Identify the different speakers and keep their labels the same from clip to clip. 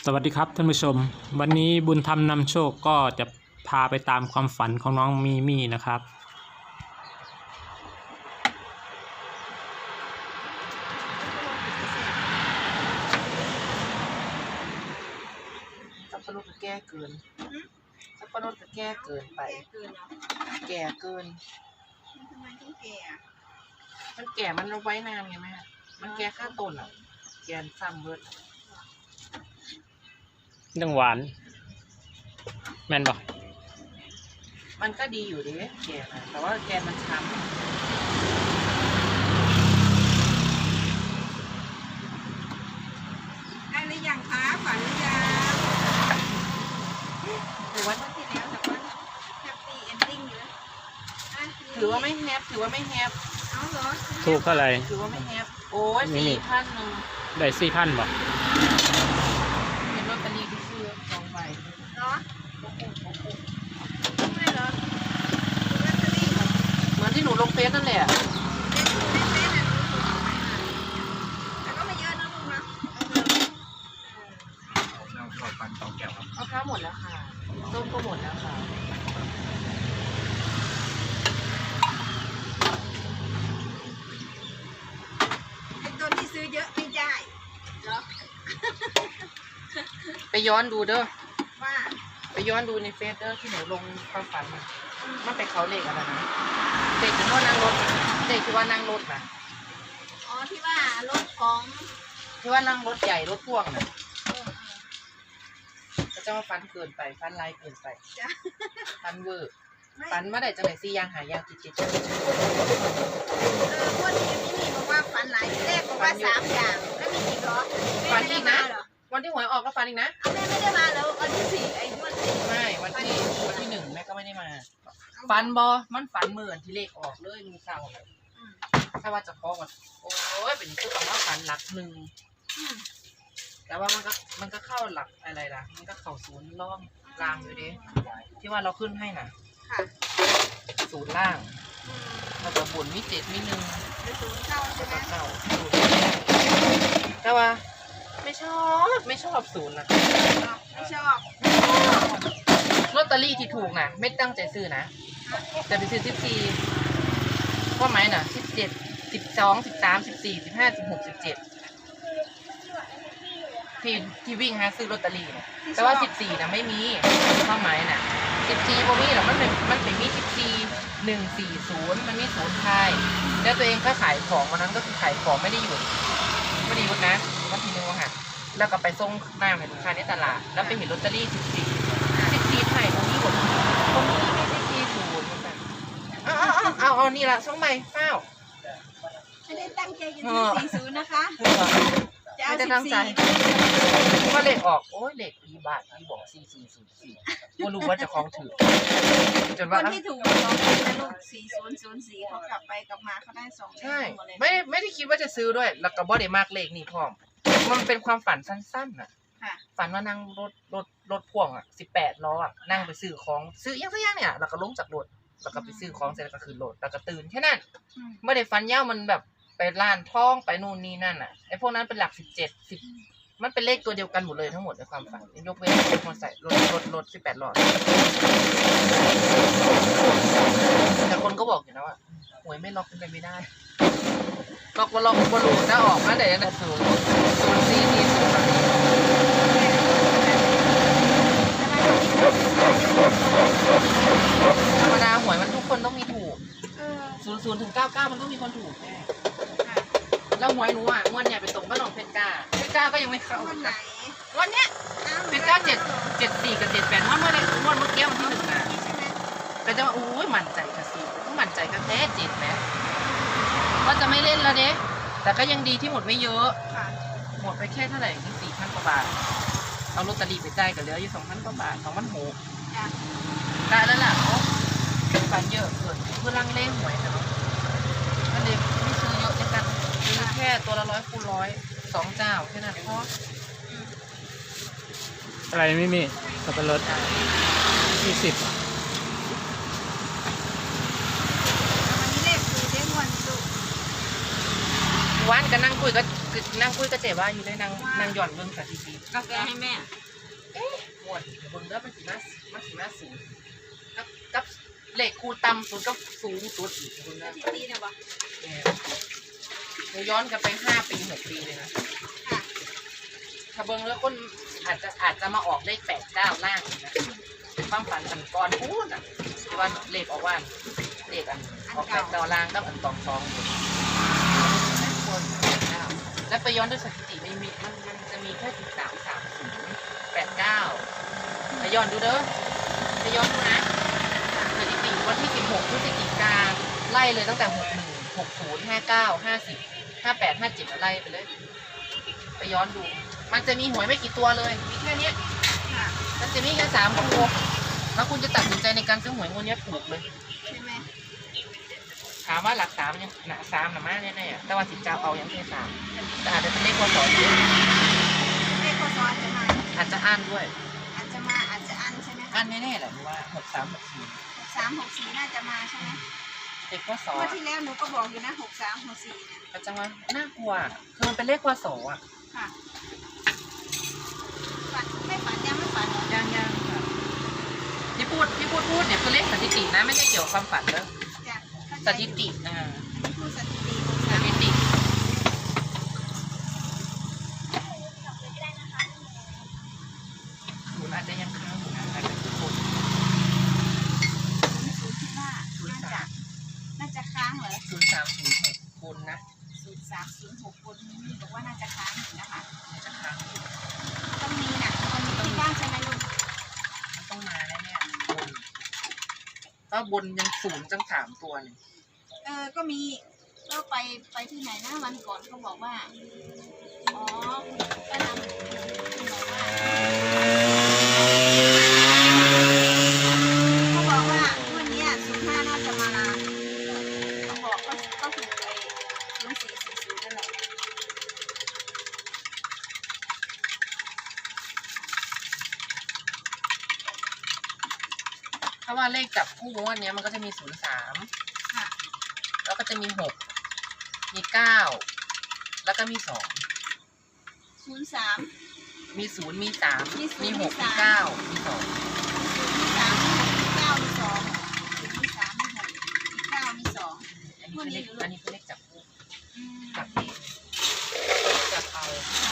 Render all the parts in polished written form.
Speaker 1: สวัสดีครับท่านผู้ชมวันนี้บุญธรรมนำโชคก็จะพาไปตามความฝันของน้องมีมี่นะครับ
Speaker 2: สับปะรดก็แก่เกินสับปะรดก็แก่เกินไปแก่เกิน
Speaker 3: ทำไมต้องแก่อะ
Speaker 2: มันแก่มันเอาไว้นานไงแม่มันแก่ข้าต้นอ่ะแก่ซ้ำเบิด
Speaker 1: เรื่องหวานแม่นบอก
Speaker 2: มันก็ดีอยู่ดิแก่นะแต่ว่าแกนมันช้ำ
Speaker 3: ได้หรือยังคะฝันหรือยัง
Speaker 2: ถือว่า
Speaker 3: วันที่แล้วแต่ว่าแฮปปี้เอนดิ้งอยู่อ่ะ
Speaker 2: ถือว่าไม่แฮปถือว่าไม่แฮป
Speaker 3: เอาเหรอ
Speaker 1: ถูกเท่าไหร่
Speaker 2: ถือว่าไม่แฮปโอ้ย
Speaker 1: นี่
Speaker 2: 4,100
Speaker 1: ได้4,000บอก
Speaker 2: เป็นลอตเตอรี่ที่ซื้อ2 ใบ
Speaker 3: เหรอไม่เหรอลอตเตอรี่เหรอ
Speaker 2: เหมือนที่หนูลงเฟซนั่นแหละ
Speaker 3: เล่นอ่ะแต่ก็ไม่เยอะนะลุงนะ
Speaker 2: เอาข้าวหมดแล้วค่ะต้มก็หมดแล้วค่ะ
Speaker 3: ไอ้ตัวที่ซื้อเยอะไม่ได้เหรอ
Speaker 2: ไปย้อนดูเด้อ
Speaker 3: ว่า
Speaker 2: ไปย้อนดูในเฟซเด้อที่หนูลงความฝันมันไปเขาเลขอะไรนะเด็กที่ว่านั่งรถเด็กที่ว่านั่งรถนะ
Speaker 3: อ๋อที่ว่ารถของ
Speaker 2: ที่ว่านั่งรถใหญ่รถพ่วงน่ะ
Speaker 3: เออ
Speaker 2: ก็จะว่าฟันเกินไปฟันลายเกินไป
Speaker 3: จ้ะ
Speaker 2: ฟันเวอร์
Speaker 3: ไม่
Speaker 2: ฟันมาได้จังไหนซี่ยางหายางจิต
Speaker 3: พวกนี้นี่บอกว่าฝันหลายแรกบอกว่า3 อย่างแล้วมีอีกเหรอแม่ไม่ได้มาเหรอ
Speaker 2: วันที่หวยออกก็ฟันอีกนะ
Speaker 3: เอาแม่ไม่ได้มาแล้ววันที่4ไอ้วันที่
Speaker 2: ไม่วันที่1แม่ก็ไม่ได้มาฟันบอมันฟันเหมือนที่เลขออกเลยมือเศร้าเลยถ้าว่าจะพอก่อนโอ้ยเป็นคือแบบว่าฟันหลักหนึ่ง แต่ว่ามันก็เข้าหลักอะไรล่ะมันก็เข้าศูนย์ล่องล่างอยู่ดิที่ว่าเราขึ้นให้น่ะ
Speaker 3: ค่ะ
Speaker 2: ศูนย์ล่างแล้วก็บนมี7มี1
Speaker 3: ไปศูนย์เข้าใช่
Speaker 2: แล้ว
Speaker 3: ไหม
Speaker 2: ก็เข้าศูนย์แต่ว่าไม่ชอบศูนย์นะ
Speaker 3: ไม่ชอบ
Speaker 2: ลอตเตอรี่ที่ถูกน่ะไม่ตั้งใจซื้อนะแต่ไปซื้อ14ว่าไหมน่ะ17 12 13 14 15 16 17ที่วิ่งหาซื้อลอตเตอรี่น่ะแต่ว่า14น่ะไม่มีว่าไหมน่ะ14บ่มีหรอกมันเป็นมี14 140มันมีศูนย์ไทยแล้วตัวเองก็ขายของวันนั้นก็คือขายของไม่ได้หยุดนะวันที่1ค่ะแล้วก็ไปส่งหน้าให้ลูกค้าในตลาดแล้วไปเห็นลอตเตอรี่14ไทยตรงนี้หมดตรงนี้ไม่ได้40มันแบบเอานี่ละส่งใหม่เฝ้า
Speaker 3: ไม่ได้ตั้งใจจะซื้อ40นะคะจะเอา
Speaker 2: ไม่ได้ตั้งใจ
Speaker 3: 14
Speaker 2: ว่าเลขออกโอ้ยเลขอีบาทที่บอก4404ก็รู้ว่าจะคล้องถือจน
Speaker 3: ค
Speaker 2: ว่าน
Speaker 3: ที่ถูก2นะลูก4004เขากลับไปกลับมาเขาได้2เล
Speaker 2: ใช่
Speaker 3: ขหมดเลย
Speaker 2: ไม่ได้คิดว่าจะซื้อด้วยแล้วก็บ่ได้มากเลขนี่พร้อมมันเป็นความฝันสั้นๆน่ะ
Speaker 3: ค่ะ
Speaker 2: ฝันว่านั่งรถพ่วงอ่ะ18 ล้ออ่ะนั่งไปซื้อของซื้ออย่างสักอย่างเนี่ยแล้วก็ลงจากรถแล้วก็ไปซื้อของเสร็จแล้วก็ขึ้นรถแล้วก็ตื่นแค่นั้นไม่ได้ฝันยาวมันแบบไปร้านทองไปนู่นนี่นั่นอ่ะไอ้พวกนั้นเป็นหลัก17 10มันเป็นเลขตัวเดียวกันหมดเลยทั้งหมดในความฝันยกเว้นมอเตอร์ไซค์รถ18 ล้อแต่คนก็บอกอยู่นะว่าหวยไม่ล็อกเป็นไปไม่ได้ล็อกว่าล็อกว่ารู้ถ้าออกมาได้ยังไงธรรมดาหวยมันทุกคนต้องมีถูก00 ถึง 99มันต้องมีคนถูกแน่แล้วหวยหนูอ่ะงวดเนี่ยไปตรงบ้านหนองเพชรกล้าก็ยังไม่เข้า
Speaker 3: วันไหน
Speaker 2: วันเนี้ยเพชรกล้า74 กับ 78งวดเมื่อกี้วันที่1นะ
Speaker 3: ใช่ไหม
Speaker 2: ก็จะว่าอุ้ยมั่นใจค่ะสิมั่นใจกันแท้7แม้ก็จะไม่เล่นแล้วเด้แต่ก็ยังดีที่หมดไม่เยอะ
Speaker 3: ค่ะ
Speaker 2: หมดไปแค่เท่าไหร่นี่4,000 กว่าบาทเอาลอตเตอรี่ไปจ่ายกันเหลืออยู่ 2,000 กว่าบาท2,600
Speaker 3: จ้ะ
Speaker 2: ได้แล้วล่ะเขาฝันเยอะเกินเพื่อลังเล่หวยนะเนาะก็เลยไม่ซื้อเยอะในกันซื้อแค่ตัวละ100 คูณ 100 2 เจ้าแค่นั้นพอ
Speaker 1: อะไรไม่มีสับปะรด20
Speaker 3: วันนี้เลขคือเด้งวันสุก
Speaker 2: วันก็นั่งคุยกับคือนั่งคุยกับเจ๊ว่าอยู่ได้นางหย่อนเบิ่งสถิติ
Speaker 3: กาแฟให้แม่
Speaker 2: หมดเบิ่งแล้วมันสิมาสูงกับเลขคูณต่ำสุดกับสูงสุดอีกเบิ่ง
Speaker 3: ส
Speaker 2: แล้ว
Speaker 3: ถิติเนี่ยบอก
Speaker 2: หนูย้อนกลับไป5 ปี 6 ปีเลยนะ
Speaker 3: ค่ะ
Speaker 2: ถ้าเบิ่งแล้วคนอาจจะมาออกเลข8 9ล่างอีกนะเป็นความฝันอันก่อนพูดอ่ะที่ว่าเลขออกว่าเลขอันออก8 9ล่างกับอัน2 2คน9แล้วไปย้อนด้วยสถิติไม่มีมันจะมีแค่13 30 8 9ไปย้อนดูเด้อไปย้อนดูนะสถิติวันที่16พฤศจิกาไล่เลยตั้งแต่61 60 59 50 58 57ไล่ไปเลยไปย้อนดูมันจะมีหวยไม่กี่ตัวเลยมีแค่เนี้ย
Speaker 3: ค่ะ
Speaker 2: มันจะมีแค่3ตัวแล้วคุณจะตัดสินใจในการซื้อหวยงวดนี้ถูกเลย
Speaker 3: ใช่ไหม
Speaker 2: ถามว่าหลัก3ยังหนัก3หนามาแน่ๆแต่ว่าสิเจ้าเอายังแค่3แต่อาจจะเป็นเลขพศอยู่
Speaker 3: เลขพศจะมา
Speaker 2: อาจจะอ่านด้วย
Speaker 3: อาจจะมาอาจจะอันใช่ไหม
Speaker 2: อ่านแน่ๆแหละว่า63 64
Speaker 3: 6364น่าจะมาใช่ไหม
Speaker 2: เลขพศ
Speaker 3: เมื่อที่แล้วหนูก็บอกอยู่นะ6364เนี่ย
Speaker 2: อาจจะว่าน่ากลัวคือมันเป็นเลขพศอ่ะ
Speaker 3: ค่ะฝันไม่ฝันยังไม่ฝันเหรอ
Speaker 2: ยังค่ะที่พูดเนี่ยคือเลขสถิตินะไม่ใช่เกี่ยวกับความฝันเด้อ
Speaker 3: จ้ะเข้า
Speaker 2: ส
Speaker 3: ใจ
Speaker 2: ถิติ
Speaker 3: อันนี้คือสถิติ
Speaker 2: สถิติศูนย์อาจจะยังค้างอยู่นะอาจจะคือคน
Speaker 3: ศูนย์คิดว่าน่าจะค้างเหรอ
Speaker 2: 0306คนนะ
Speaker 3: 0306คนนี้บอกว่าน่าจะค้างอยู่นะคะ
Speaker 2: อาจจะค้างอยู่
Speaker 3: ต้องมีนะมันมีที่บ้านใช่ไหมลุง
Speaker 2: มันต้องมาแน่ๆบนก็บนยัง0จัง3ตัวเลย
Speaker 3: ก็มีก็ไปที่ไหนนะวันก่อนเขาบอกว่าอ๋อก็นำบอกว่าเขาบอกว่าวันนี้05น่าจะมาเขาบอกก็ถูกไป0440นั่นแหละ
Speaker 2: เพราะว่าเลขจับคู่งวดเนี้ยมันก็จะมี03
Speaker 3: ค่ะ
Speaker 2: แล้วก็จะมี6มี9แล้วก็มี2
Speaker 3: 03
Speaker 2: มี0มี3
Speaker 3: มี0
Speaker 2: มี6
Speaker 3: มี
Speaker 2: มี
Speaker 3: 3
Speaker 2: 9มี2
Speaker 3: มี3มี6มี9มี2มี3มี6มี9มี2
Speaker 2: อันนี้คือเลขจับคู่
Speaker 3: จับ
Speaker 2: จับเอา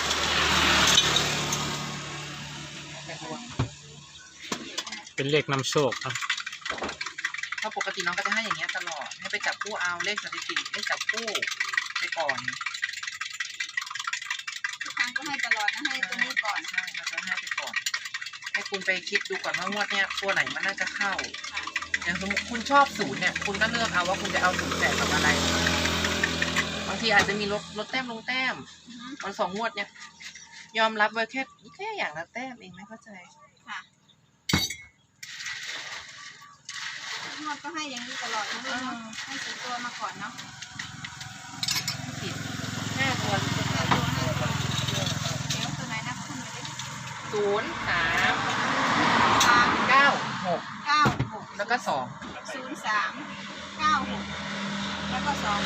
Speaker 2: แต่ดวง
Speaker 1: เป็นเลขนำโชคครับ
Speaker 2: เพราะปกติน้องก็จะให้อย่างเงี้ยตลอดให้ไปจับคู่เอาเลขสถิติเลขจับคู่ไปก่อน
Speaker 3: ทุกครั้งก็ให้ตลอดนะให้ตัวนี้ก่อน
Speaker 2: ใช่เราจะให้ไปก่อน ให้คุณไปคิดดูก่อนว่างวดเนี้ยตัวไหนมันน่าจะเข้า
Speaker 3: ค่ะ
Speaker 2: อย่างสมมติคุณชอบ0เนี่ยคุณก็เลือกเอาว่าคุณจะเอา0แต่กับอะไร บางทีอาจจะมีลดแต้มลงแต้ม
Speaker 3: อือฮึ
Speaker 2: มัน2 งวดเนี่ยยอมรับไว้แค่อย่างละแต้มเองไม่เข้าใจ
Speaker 3: ค่ะงวดก็ให้อย่างนี้ตลอดนะลูกเนาะให้สีตัวมาก่อนเนาะ
Speaker 2: ผิด5 ตัว
Speaker 3: ให้ตัวเดี๋ยวตัวไหนนับขึ้นไปดิ
Speaker 2: 0 3
Speaker 3: 3
Speaker 2: 9 6
Speaker 3: 9 6
Speaker 2: แล้วก็2
Speaker 3: 03 96แล้วก็2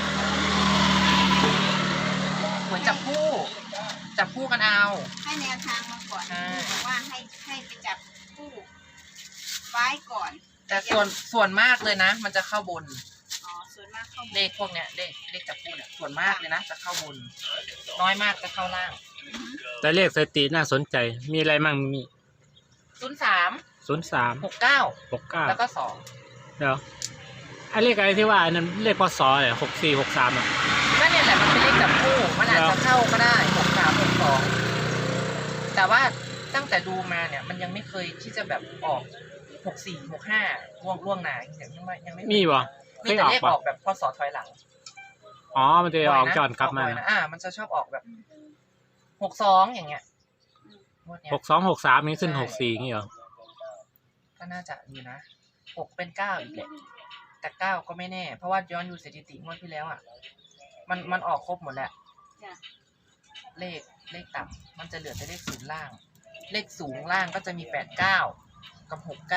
Speaker 2: เหมือนจับคู่กันเอา
Speaker 3: ให้แนวทางมาก่อน
Speaker 2: ใช่
Speaker 3: บอกว่าให้ไปจับคู่ไว้ก่อน
Speaker 2: แต่ส่วนมากเลยนะ มันจะเข้าบน
Speaker 3: อ๋อส่วนมากเข้า
Speaker 2: เลขพวกเนี้ยเลขจับคู่เนี่ยส่วนมากเลยนะจะเข้าบน น้อยมากจะเข้าล่าง
Speaker 1: แต่เลขสถิติน่าสนใจ มีอะไรมั่งมี
Speaker 2: 03
Speaker 1: 03
Speaker 2: 69
Speaker 1: 69
Speaker 2: แล้วก็
Speaker 1: เดี๋ยวไอ้เลขอะไรที่ว่าอันนั้นเลขพศเนี่ย64 63อ่ะ
Speaker 2: 2นั่นเนี่ยแหละมันเป็นเลขจับคู่มันอาจจะเข้าก็ได้63 62แต่ว่าตั้งแต่ดูมาเนี่ยมันยังไม่เคยที่จะแบบออก64 65ล่วงหน้ายังไม่
Speaker 1: มีบ่เค
Speaker 2: มี
Speaker 1: ย
Speaker 2: แต่
Speaker 1: ออก
Speaker 2: เลข
Speaker 1: ป่ะ
Speaker 2: ออกแบบพศถอยหลัง
Speaker 1: อ๋อมันจะออกจอนกลับมา
Speaker 2: บ่อยนะมันจะชอบออกแบบ62อย่างเงี้ยงวดเนี้ย
Speaker 1: 62 63นี่ขึ้น64นี่เหรอ
Speaker 2: ก็น่าจะอยู่นะ6เป็น9อีกแหละแต่9ก็ไม่แน่เพราะว่าย้อนดูสถิติงวดที่แล้วอ่ะมันออกครบหมดแหละ
Speaker 3: จ้ะ
Speaker 2: เลขต่ำมันจะเหลือแต่เลขศูนย์ล่าง เลขสูงล่างก็จะมี89กับ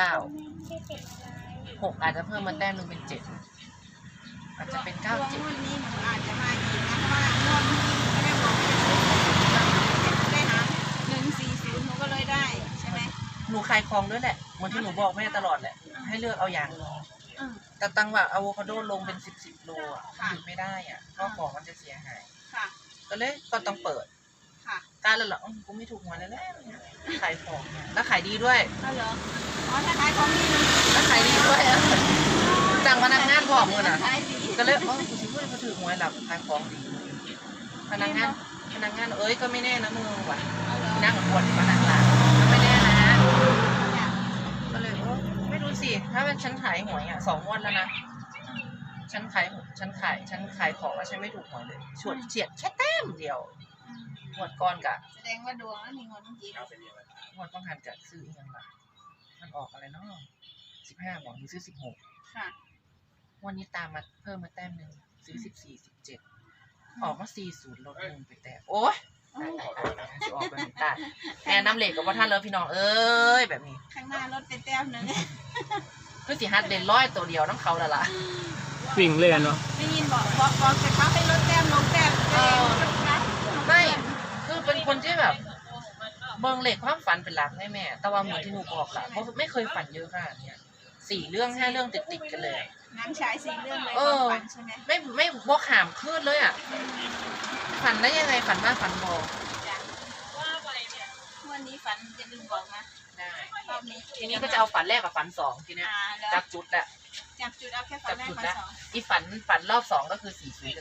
Speaker 2: 69 6อาจจะเพิ่มมาแต้มนึงเป็น7อาจจะเป็น
Speaker 3: ดวง
Speaker 2: 97
Speaker 3: วันนี้หนูอาจจะมาอีกนะเพราะว่างวดเมื่อกี้หนูไม่ได้บอก
Speaker 2: นูขายของด้วยแหละเหมือนที่หนูบอกแม่ตลอดแหละให้เลือกเอาอย่าง
Speaker 3: อืม
Speaker 2: แต่ตังว่าอะโวคาโดลงเป็น10โลอ่ะ
Speaker 3: ค่ะ
Speaker 2: หยุดไม่ได้อ่ะเพราะของมันจะเสียหาย
Speaker 3: ค่ะ
Speaker 2: ก็เลยก็ต้องเปิด
Speaker 3: ค่ะ
Speaker 2: การแล้วเหรอกูไม่ถูกหวยแล้วแหละขายของเนี่ยแล้วขายดีด้วย
Speaker 3: ก็เหรออ๋อถ้าขายของนี่มัน
Speaker 2: แล้วขายดีด้วยอะจ้างพนักงานพร้อมกันอ่ะ
Speaker 3: ขายดี
Speaker 2: ก็เลยกูสิพูดมาถือหวยหลับขายของดีพนักงานเอ้ยก็ไม่แน่นะมึงว่ะ
Speaker 3: เอาเหรอ
Speaker 2: นั่งปวดพนักงานก็ไม่แน่นะ
Speaker 3: จ้ะ
Speaker 2: ก็เลยไม่รู้สิถ้าเป็นฉันขายหวยอ่ะ2 งวดแล้วนะฉันขายของแล้วฉันไม่ถูกหวยเลยเฉียดแค่แต้มเดียว
Speaker 3: อืม
Speaker 2: งวดก่อนกะ
Speaker 3: แสดงว่าดวงแล้วมีเงินเมื่อกี้
Speaker 2: งวดต้องหันกะซื้ออีกอย่างละมันออกอะไรเนาะ15บอกหนูซื้อ16
Speaker 3: ค่ะ
Speaker 2: วันนี้ตามมาเพิ่มมาแต้มหนึ่งซื้อ14 17ออกมา40ลด1ไปแต้มโอ๊ยตายจะออกแบบนี้ตายแอนน้ำเหล็กกับว่าท่านเลยพี่น้องเอ้ยแบบนี้
Speaker 3: ข้างหน้ารถไปแต้มหนึง
Speaker 2: คือสิฮัดเด่นร้อยตัวเดียวน้ำเขาแล้วล่ะ
Speaker 1: วิ่งเล่นเนาะ
Speaker 3: ได้ยินบอกแต่เขาให้รถแต้มลงแต้มเลย
Speaker 2: ไม่คือเป็นคนที่แบบเบิ่งเหล็กความฝันเป็นหลักแม่แต่ว่าเหมือนที่หนูบอกแหละเพราะไม่เคยฝันเยอะขนาดเนี้ย4 เรื่อง5 เรื่องติดกันเลย
Speaker 3: หนังฉาย4 เรื่องเลยความฝันใช่ไหม
Speaker 2: ไม่บอกหามคืนเลยอ่ะฝันได้ยังไงฝันมากฝันบอ
Speaker 3: จ้ะวันนี้ฝันจะลืมบอกนะ
Speaker 2: ได้
Speaker 3: รอบนี้
Speaker 2: ทีนี้ก็จะเอาฝันแรกกับฝัน2ทีเนี้ย
Speaker 3: แล้ว
Speaker 2: จับจุดอะ
Speaker 3: จับจุดเอาแค่ฝั
Speaker 2: จั
Speaker 3: น
Speaker 2: บ
Speaker 3: แรก
Speaker 2: จุด
Speaker 3: ฝัน
Speaker 2: แล้ว
Speaker 3: สอง
Speaker 2: อีฝันรอบ2ก็คือ40กับ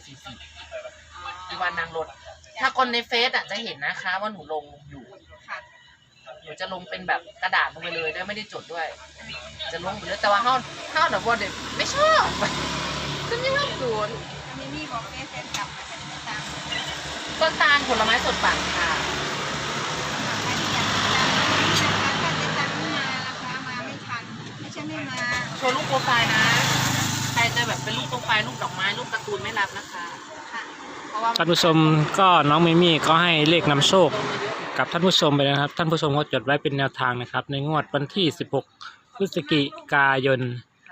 Speaker 2: 44อีวันนางรถถ้าคนในเฟซอะจะเห็นนะคะว่าหนูลงอยู่
Speaker 3: ค่ะ
Speaker 2: หนูจะลงเป็นแบบกระดาษลงไปเลยด้วยไม่ได้จดด้วย จะลงไปเลยแต่ว่าเฮาหนูบอกเด็กไม่ชอบฉันไม่ชอบศูนย์
Speaker 3: มีมี่บอกแฟนกลับมาจะได้ตาม
Speaker 2: ต้นตาลผลไม้สดปั่นค่ะ
Speaker 3: ใครที่อยากติดตามนะคะถ้าจะตังไม่มาราคามาไม่ทันไม่ใช่ไม่มา
Speaker 2: โชว์รูปโปรไฟล์นะใครจะแบบเป็นรูปโปรไฟล์รูปดอกไม้รูปการ์ตูนไม่รับนะคะ
Speaker 3: ค่ะ
Speaker 2: เพราะว่า
Speaker 1: ท่านผู้ชมก็น้องมิมี่ก็ให้เลขนำโชคกับท่านผู้ชมไปนะครับ ท่านผู้ชมก็จดไว้เป็นแนวทางนะครับ ในงวดวันที่16 พฤศจิกายน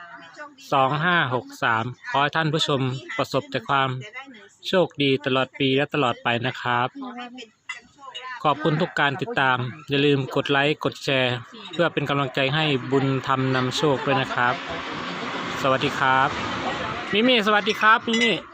Speaker 1: 2563 ขอให้ท่านผู้ชมประสบแต่ความโชคดีตลอดปีและตลอดไปนะครับ ขอบคุณทุกการติดตาม อย่าลืมกดไลค์กดแชร์ เพื่อเป็นกำลังใจให้บุญธรรมนำโชคด้วยนะครับ สวัสดีครับ มิมี่สวัสดีครับมิมี่